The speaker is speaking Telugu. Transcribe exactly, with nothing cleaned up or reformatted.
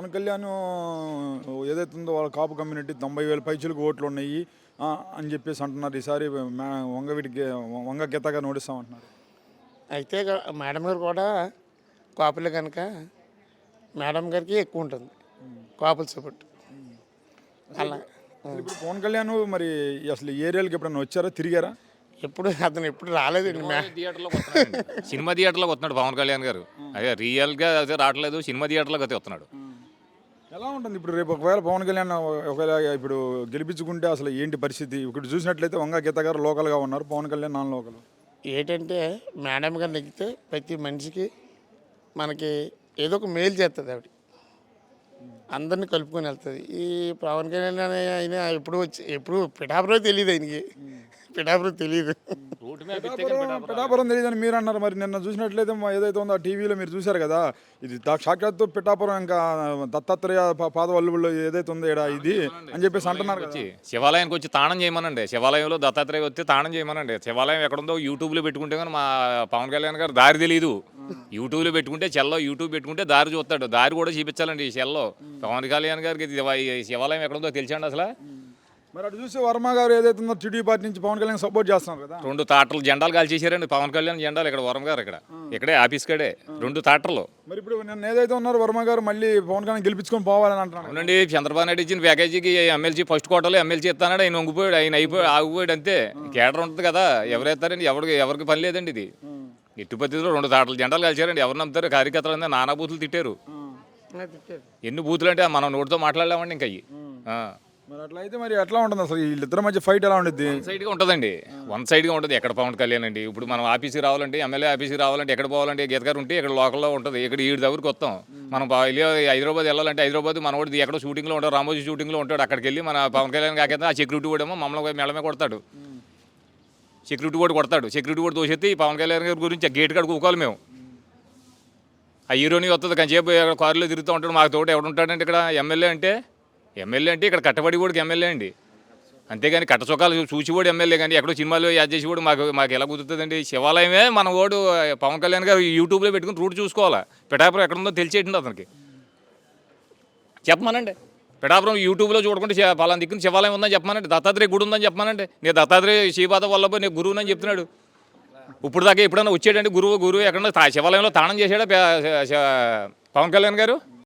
పవన్ కళ్యాణ్ ఏదైతే ఉందో వాళ్ళ కాపు కమ్యూనిటీ తొంభై వేల పైచులకు ఓట్లు ఉన్నాయి ఆ, అని చెప్పేసి అంటున్నారు. ఈసారి మా వంగవీటికి వంగ గీతగా నోడిస్తామంటున్నారు. అయితే గా- మేడం గారు కూడా కాపులే కనుక మేడం గారికి ఎక్కువ ఉంటుంది కాపుల సపోర్ట్. అలా అసలు ఇప్పుడు పవన్ కళ్యాణ్ మరి అసలు ఈ ఏరియాలకి ఎప్పుడైనా వచ్చారా, తిరిగారా? ఎప్పుడు అతను ఎప్పుడు రాలేదండి. మే థియేటర్లోకి వస్తున్నాడు. సినిమా థియేటర్లోకి వస్తున్నాడు పవన్ కళ్యాణ్ గారు. అదే రియల్గా అదే రావట్లేదు, సినిమా థియేటర్లోకి అయితే వస్తున్నాడు. ఎలా ఉంటుంది ఇప్పుడు రేపు ఒకవేళ పవన్ కళ్యాణ్ ఒకవేళ ఇప్పుడు గెలిపించుకుంటే అసలు ఏంటి పరిస్థితి? ఇప్పుడు చూసినట్లయితే వంగ గీత గారు లోకల్గా ఉన్నారు, పవన్ కళ్యాణ్ నాన్ లోకల్. ఏంటంటే మేడం గారు నెగ్గితే ప్రతి మనిషికి మనకి ఏదో ఒక మేలు చేస్తుంది ఆవిడ, అందరినీ కలుపుకొని వెళ్తుంది. ఈ పవన్ కళ్యాణ్ అనే ఆయన ఎప్పుడు వచ్చి ఎప్పుడు పిఠాపురం తెలియదు, ఆయనకి పిఠాపురం తెలియదు. రోడ్డు మీద పిఠాపురం పిఠాపురం తెలియదని మీరు అన్నారు. మరి నిన్న చూసినట్లయితే మా ఏదైతే ఉందో ఆ టీవీలో మీరు చూశారు కదా, ఇది దా- సాక్షాత్తు పిఠాపురం ఇంకా దత్తాత్రేయ పా- పాదవల్లుల్లో ఏదైతే ఉందో ఈడ ఇది అని చెప్పేసి అంటున్నారు కదా. వచ్చి శివాలయానికి వచ్చి తాళం చేయమనండి. శివాలయంలో దత్తాత్రేయ వచ్చి తాళం చేయమనండి. శివాలయం ఎక్కడుందో యూట్యూబ్లో పెట్టుకుంటే కానీ మా పవన్ కళ్యాణ్ గారు దారి తెలియదు. యూట్యూబ్లో పెట్టుకుంటే చెల్లో యూట్యూబ్ పెట్టుకుంటే దారి చూస్తాడు. దారి కూడా చూపించాలండి ఈ చెల్లో. పవన్ కళ్యాణ్ గారికి ఇది ఈ శివాలయం ఎక్కడుందో తెలిసండి అసలు. మరి అటు చూసి వర్మ గారు ఏదైతే ఉందో టీడీ పార్టీ నుంచి పవన్ కళ్యాణ్ సపోర్ట్ చేస్తున్నారు కదా. రెండు తాటలు జెండాలు కాల్చేసారండి పవన్ కళ్యాణ్ జెండాలు. ఇక్కడ వరం గారు ఇక్కడ ఇక్కడే ఆఫీస్ కాడే రెండు తాటలు. మరి ఇప్పుడు నిన్న ఏదైతే ఉన్నారో వర్మ గారు మళ్ళీ పవన్ కళ్యాణ్ గెలిపించుకొని పోవాలని అంటున్నారు. అవునండి, చంద్రబాబు నాయుడు ఇచ్చిన ప్యాకేజీకి ఎమ్మెల్సీ ఫస్ట్ కోటలో ఎమ్మెల్సీ ఇస్తానాడు, ఆయన వంగిపోయాడు, ఆయన అయిపోయి ఆగిపోయాడు అంతే. కేడర్ ఉంటుంది కదా, ఎవరైతారండి? ఎవరికి ఎవరికి పని లేదండి. ఇది ఎట్టి పద్ధతిలో రెండు తాటలు జెండాలు కలిసారండి. ఎవరు నమ్ముతారు? కార్యకర్తలు అంతా నానా బూతులు తిట్టారు. ఎన్ని బూతులు అంటే మనం నోటితో మాట్లాడలేమండి ఇంకా అయ్యి. మరి అట్లా అయితే మరి ఎట్లా ఉంటుంది అసలు వీళ్ళిద్దరి మధ్య ఫైట్ ఎలా ఉంటుంది? వన్ సైడ్గా ఉంటుందండి, వన్ సైడ్గా ఉంటుంది. ఎక్కడ పవన్ కళ్యాణ్ అండి ఇప్పుడు మనం ఆఫీస్కి రావాలంటే, ఎమ్మెల్యే ఆఫీస్కి రావాలంటే ఎక్కడ పోవాలంటే గీత గారు ఉంటే ఇక్కడ లోకల్లో ఉంటుంది. ఇక్కడ ఈ దగ్గరికి వస్తాం. మనం బా- వెళ్ళి హైదరాబాద్ వెళ్ళాలంటే హైదరాబాద్ మనోడు ఎక్కడో షూటింగ్లో ఉంటాడు, రామోజీ షూటింగ్లో ఉంటాడు. అక్కడికి వెళ్ళి మన పవన్ కళ్యాణ్ కాకపోతే ఆ సెక్యూరిటీ కూడా ఏమో మమ్మల్ని మెడమే కొడతాడు. సెక్యూరిటీ కూడా కొడతాడు. సెక్యూరిటీ కూడా దోషెత్తి పవన్ కళ్యాణ్ గారి గురించి గేట్ కాడ కూకోవాలి మేము. ఆ హీరోని వస్తుంది కంచేపు కారులో తిరుగుతూ ఉంటాడు. మాకు తోట ఎవడుంటాడంటే ఇక్కడ ఎమ్మెల్యే అంటే ఎమ్మెల్యే అంటే ఇక్కడ కట్టబడి కూడా ఎమ్మెల్యే అండి. అంతేగాని కట్ట చొక్కాలు చూసివాడు ఎమ్మెల్యే కానీ ఎక్కడో సినిమాలో యాడ్ చేసేవాడు మాకు మాకు ఎలా కుదురుతుందండి? శివాలయమే మన ఓడు పవన్ కళ్యాణ్ గారు యూట్యూబ్లో పెట్టుకుని రూట్ చూసుకోవాలా. పిఠాపురం ఎక్కడుందో తెలిసేటండి అతనికి. చెప్పమానండి, పిఠాపురం యూట్యూబ్లో చూడకుండా శి- పలానా దిక్కున శివాలయం ఉందని చెప్పమానండి, దత్తాత్రేయ గుడి ఉందని చెప్పమానండి. నేను దత్తాత్రేయ శ్రీపాద వల్లభ నేను గురువుని అని చెప్తున్నాడు. ఇప్పుడు దాకా ఎప్పుడన్నా వచ్చాడండి గురువు గురువు ఎక్కడన్నా తా- శివాలయంలో తాళం చేశాడా పే- శ- పవన్ కళ్యాణ్ గారు?